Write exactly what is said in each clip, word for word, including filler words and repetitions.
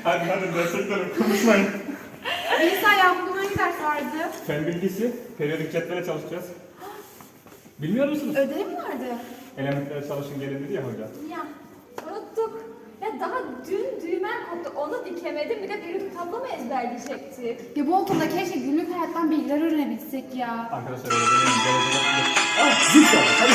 Hadi hadi gerçekten konuşmayın. Melisa ya bugün hangi ders vardı? Fen bilgisi, periyodik cetvele çalışacağız. Bilmiyor musunuz? Ödev mi vardı? Elementlere çalışın gelin dedi ya hoca. Ya unuttuk. Ya daha dün düğmen koptu. Onu dikemedim. Bir de periyodik tablo mu ezberleyecektik? Ya bu okulda keşke günlük hayattan bilgiler öğrenebilsek ya. Arkadaşlar öyle demeyin. Gelecek Ah zil çaldı. Hadi.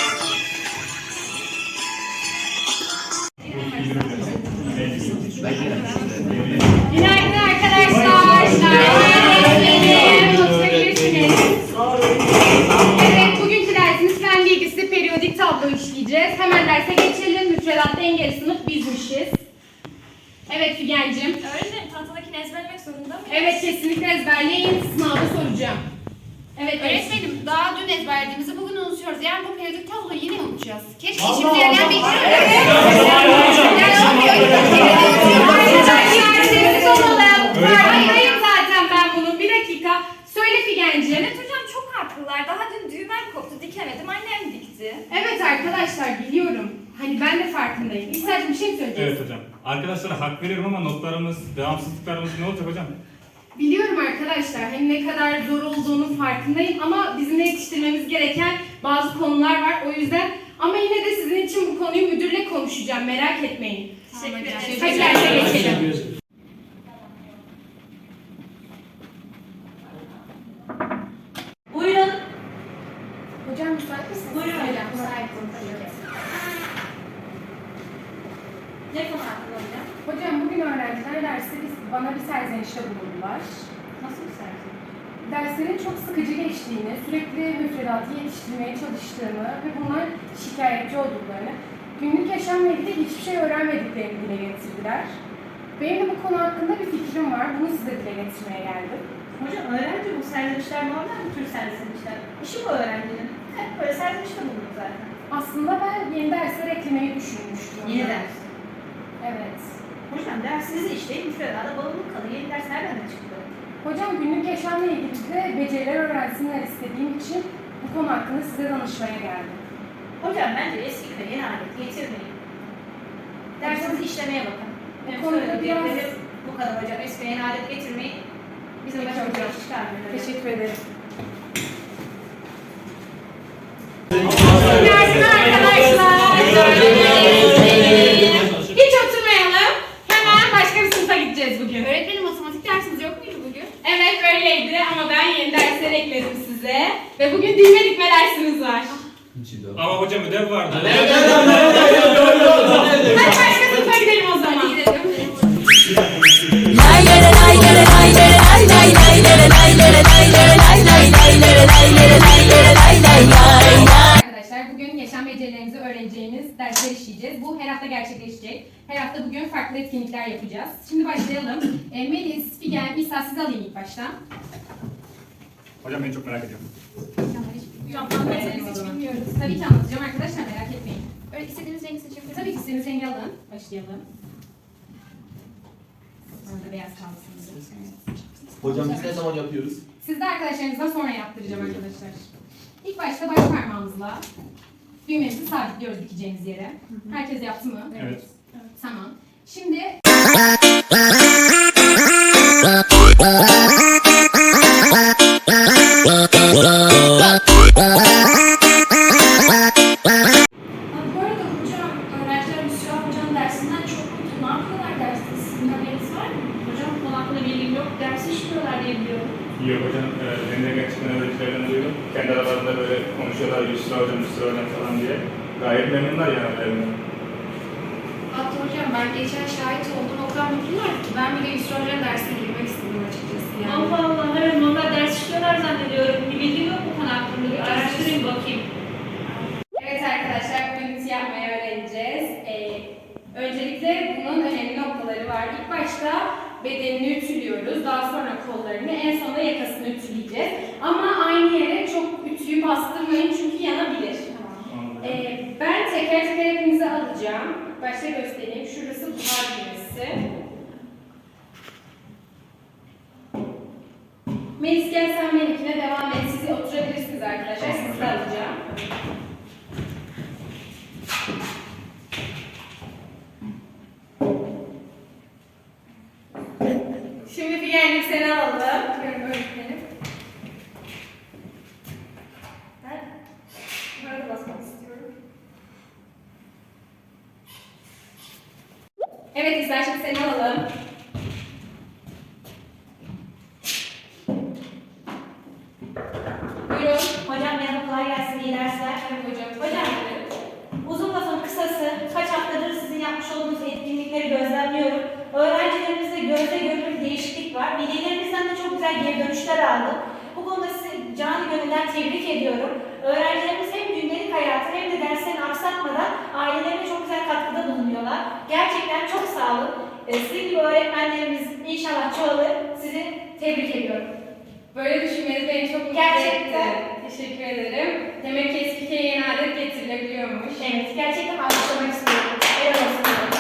Günaydın arkadaşlar. Günaydın. Oturabilirsiniz. Evet, bugünkü dersimiz fen bilgisi periyodik tablo işleyeceğiz. Hemen derse geçelim. Müfredatta en geri sınıf bizmişiz. Evet Figen'cim. Öğretmenim tahtadakini ezberlemek zorunda mıyım? Evet kesinlikle ezberleyin. Sınavda soracağım. Evet Öğretmenim daha dün ezberlediğimizi bugün unutuyoruz. Yani bu periyodik tabloyu yine unutacağız. Keşke Allah şimdi yerden Allah. bilgiler Evet. Hayır hayır zaten ben bunun. Bir dakika. Söyle Figen'cim. Evet hocam çok haklılar. Daha dün düğmen koptu dikemedim. Annem dikti. Evet arkadaşlar biliyorum. Hani ben de farkındayım. İstersen bir şey mi söyleyeceksin? Evet hocam. Arkadaşlara hak veriyorum ama notlarımız, devamsızlıklarımız ne olacak hocam? Biliyorum arkadaşlar. Hem ne kadar zor olduğunun farkındayım ama bizim de yetiştirmemiz gereken bazı konular var. O yüzden ama yine de sizin için bu konuyu müdürle konuşacağım. Merak etmeyin. Teşekkür ederim. Hadi derse geçelim. Buyurun. Hocam müsait misiniz? Buyurun hocam. Müsaitim. Ne konu hakkında hocam? Hocam bugün öğrenciler derste biz, bana bir serzenişte bulundular. Nasıl bir sergi? Derslerin çok sıkıcı geçtiğini, sürekli müfredatı yetiştirmeye çalıştığını ve bunlar şikayetçi olduklarını, günlük yaşamla ilgili hiçbir şey öğrenmediklerini dile getirdiler. Benim de bu konu hakkında bir fikrim var, bunu size dile getirmeye geldim. Hocam öğrenci bu serzenişler normal bir tür serzenişler. İşi bu öğrencinin. Hep böyle serzenişte bulunur zaten. Aslında ben yeni dersler eklemeyi düşünmüştüm. Yeni ders. Evet. Hocam dersizi işleyin, müfredada bağımlılık kalır. Yeni ders nereden çıktı? Hocam günlük yaşamla ilgili de beceriler öğrensinler istediğim için bu konu hakkında size danışmaya geldim. Hocam bence eski köye yeni alet getirmeyin. Dersinizi işlemeye bakın. Benim Konuda söylediklerim biraz- bu kadar hocam. Eski köye yeni alet getirmeyin. Bizim Peki başımıza hocam. iş çıkarmıyor. Teşekkür ederim. Günaydın arkadaşlar. Hiç oturmayalım. Hemen başka bir sınıfa gideceğiz bugün. Öğretmenim matematik dersiniz yok muydu bugün? Evet öyleydi ama ben yeni dersler ekledim size. Ve bugün dilme dikme dersimiz var. Ama hocam ödev vardı. Hadi başka sınıfa gidelim o zaman. Hadi gidelim. Arkadaşlar bugün yaşam becerilerinizi öğreneceğimiz dersler işleyeceğiz. Bu her hafta gerçekleşecek. Her hafta bugün farklı etkinlikler yapacağız. Şimdi başlayalım. E, Melis, Figen, İsa sizi alayım ilk başta. Hocam ben çok merak ediyorum. Hocam anlatırız hiç bilmiyoruz. Tabii ki anlatacağım arkadaşlar merak etmeyin. Öyle istediğiniz rengi seçebilirsiniz. Tabii ki istediğiniz rengi alın. Başlayalım. Sonra da beyaz kalsın. Evet. Hocam biz ne zaman yapıyoruz? Siz de arkadaşlarınızdan sonra yaptıracağım arkadaşlar. İlk başta baş parmağımızla düğmemizi sabitliyoruz dikeceğimiz yere. Herkes yaptı mı? Evet. Tamam. Şimdi Bu arada hocam, öğrenciler Müslüman hocanın dersinden çok mutlu. Ne yapıyorlar derste? Sizin haberiniz var mı? Hocam bu konu hakkında bilgim yok. Dersi işliyorlar diye biliyorum. Yok hocam, e, benim de gerçekten öğrencilerden duyuyorum. Kendi aralarında böyle konuşuyorlar, Yusra hocam, Yusra hocam falan diye. Gayet memnunlar yani evlerinden. Hatta hocam ben geçen şahit oldum. O kadar mutlular ki ben bile Yusra Hoca'nın dersine girmek istedim açıkçası yani. Allah Allah, evet normal ders işliyorlar zannediyorum. Bir bilgim yok bu konu hakkında. Bir araştırayım bakayım. evet arkadaşlar bugün ütü yapmayı öğreneceğiz. Ee, öncelikle bunun önemli noktaları var. İlk başta bedenini ütülüyoruz. Daha sonra kollarını, en sonunda yakasını ütüleyeceğiz. Ama aynı yere çok ütüyü bastırmayın çünkü yanabilir. Ee, ben teker teker hepinizi alacağım. Başta göstereyim. Şurası buhar düğmesi. Melis gel sen benimkine devam et. Siz oturabilirsiniz arkadaşlar. Sizi de alacağım. Şimdi Figen'cim seni alalım. Buyurun öğretmenim. Ben burada basmak istiyorum. Evet İzler, şimdi seni alalım. Buyurun. Hocam merhaba, kolay gelsin, iyi dersler. Evet hocam. Hocam, uzun lafın kısası, kaç haftadır sizin yapmış olduğunuz etkinlikleri gözlemliyorum. Öğrencilerimizde gözle görülür bir değişiklik var. Velilerimizden de çok güzel geri dönüşler aldım. Bu konuda sizi canı gönülden tebrik ediyorum. Öğrencilerimiz hem gündelik hayatı hem de derslerini aksatmadan ailelerine çok güzel katkıda bulunuyorlar. Gerçekten çok sağ olun. Ee, Sizin gibi öğretmenlerimiz inşallah çoğalır. Sizi tebrik ediyorum. Böyle düşünmeniz beni çok mutlu Gerçekten. etti. Teşekkür ederim. Demek ki eski yeni adet getirilebiliyormuş. Evet, gerçekten alkışlamak istiyorum. Helal olsun.